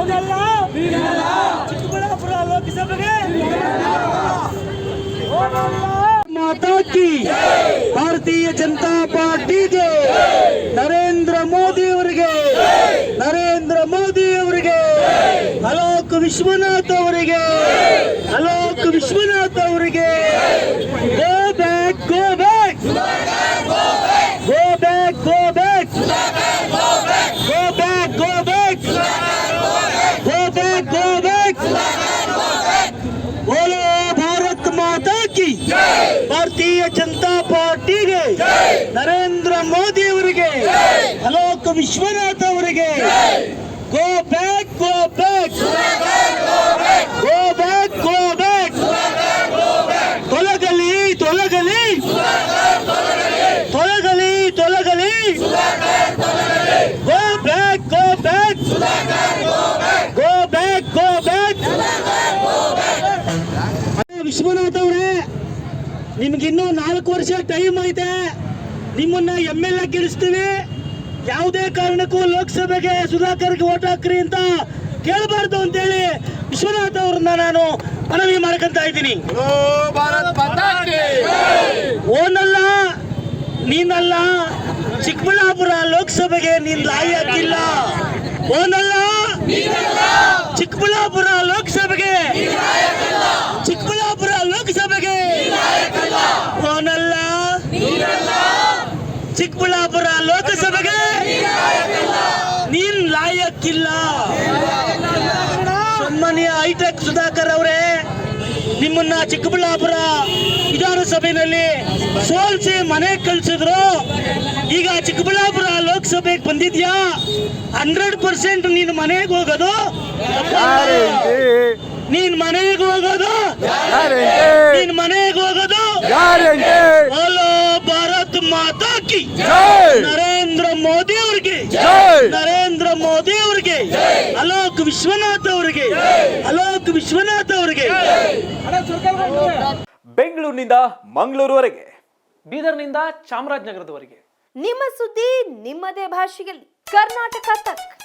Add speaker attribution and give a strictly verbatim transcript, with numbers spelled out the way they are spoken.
Speaker 1: ಹೋಗಲ್ಲ ಚಿಕ್ಕಬಳ್ಳಾಪುರ ಲೋಕಸಭೆಗೆ ಮಾತಾ ಕಿ ಭಾರತೀಯ ಜನತಾ ಪಾರ್ಟಿಗೆ ನರೇಂದ್ರ ಮೋದಿ ಅವರಿಗೆ ನರೇಂದ್ರ ಮೋದಿ ಅವರಿಗೆ ಅಲೋಕ್ ವಿಶ್ವನಾಥ್ ಅವರಿಗೆ ಅಲೋಕ್ ವಿಶ್ವನಾಥ್ ಅವರಿಗೆ go back go back go back go back go back go back go back go back बोलो भारत माता की भारतीय जनता पार्ಟಿಗೆ ನರೇಂದ್ರ ಮೋದಿ ಅವರಿಗೆ ಅಲೋಕ್ ವಿಶ್ವನಾಥ್ ಅವರಿಗೆ go back go back go back go back ತೊಲಗಲಿ ತೊಲಗಲಿ ತೊಲಗಲಿ ತೊಲಗಲಿ go back go back go back go back Vishwanath ಅವರೇ, ನಿಮ್ಗಿನ್ನೂ ನಾಲ್ಕು ವರ್ಷ ಟೈಮ್ ಐತೆ. ನಿಮ್ಮನ್ನ ಎಮ್ ಎಲ್ ಎ ಗೆಲ್ಲಿಸ್ತೀವಿ. ಯಾವುದೇ ಕಾರಣಕ್ಕೂ ಲೋಕಸಭೆಗೆ ಸುಧಾಕರ್ಗೆ ಓಟ್ ಹಾಕ್ರಿ ಅಂತ ಕೇಳಬಾರ್ದು ಅಂತೇಳಿ ವಿಶ್ವನಾಥ್ ಅವ್ರನ್ನ ನಾನು ಮನವಿ ಮಾಡ್ಕೊಂತ ಇದ್ದೀನಿ. ಓನಲ್ಲ ನೀನಲ್ಲ, ಚಿಕ್ಕಬಳ್ಳಾಪುರ ಲೋಕಸಭೆಗೆ ನೀನ್ ಲಾಯಿ ಹಾಕಿಲ್ಲ. ಓನಲ್ಲ ಚಿಕ್ಕಬಳ್ಳಾಪುರ ಲೋಕಸಭೆಗೆ ಚಿಕ್ಕಬಳ್ಳಾಪುರ ಲೋಕಸಭೆಗೆ ಓನಲ್ಲ ಚಿಕ್ಕಬಳ್ಳಾಪುರ ಲೋಕಸಭೆಗೆ ನೀನ್ ಲಾಯಕ್ಕಿಲ್ಲ. ಸನ್ಮಾನ್ಯ ಹೈಟೆಕ್ ಸುಧಾಕರ್ ಅವರೇ, ನಿಮ್ಮನ್ನ ಚಿಕ್ಕಬಳ್ಳಾಪುರ ವಿಧಾನಸಭೆಯಲ್ಲಿ ಸೋಲ್ಸಿ ಮನೆಗೆ ಕಳ್ಸಿದ್ರು. ಈಗ ಚಿಕ್ಕಬಳ್ಳಾಪುರ ಲೋಕಸಭೆಗೆ ಬಂದಿದ್ಯಾ, ಹಂಡ್ರೆಡ್ ಪರ್ಸೆಂಟ್ ನೀನ್ ಮನೆಗೆ ಹೋಗೋದು ನೀನ್ ಮನೆಗೆ ಹೋಗೋದು ನೀನ್ ಮನೆಗೆ ಹೋಗೋದು ಓಲೋ ಭಾರತ್ ಮಾತಾ ಕಿ ನರೇಂದ್ರ ಮೋದಿ ಅವ್ರಿಗೆ ನರೇಂದ್ರ ಮೋದಿ ಅವ್ರಿಗೆ ಅಲೋಕ್ ವಿಶ್ವನಾಥ್ ಅವರಿಗೆ ಅಲೋಕ್ ವಿಶ್ವನಾಥ್ ಅವರಿಗೆ.
Speaker 2: ಬೆಂಗಳೂರಿನಿಂದ ಮಂಗಳೂರುವರೆಗೆ, ಬೀದರ್ನಿಂದ ಚಾಮರಾಜನಗರದವರೆಗೆ
Speaker 3: ನಿಮ್ಮ ಸುದ್ದಿ ನಿಮ್ಮದೇ ಭಾಷೆಯಲ್ಲಿ ಕರ್ನಾಟಕ ತಕ್.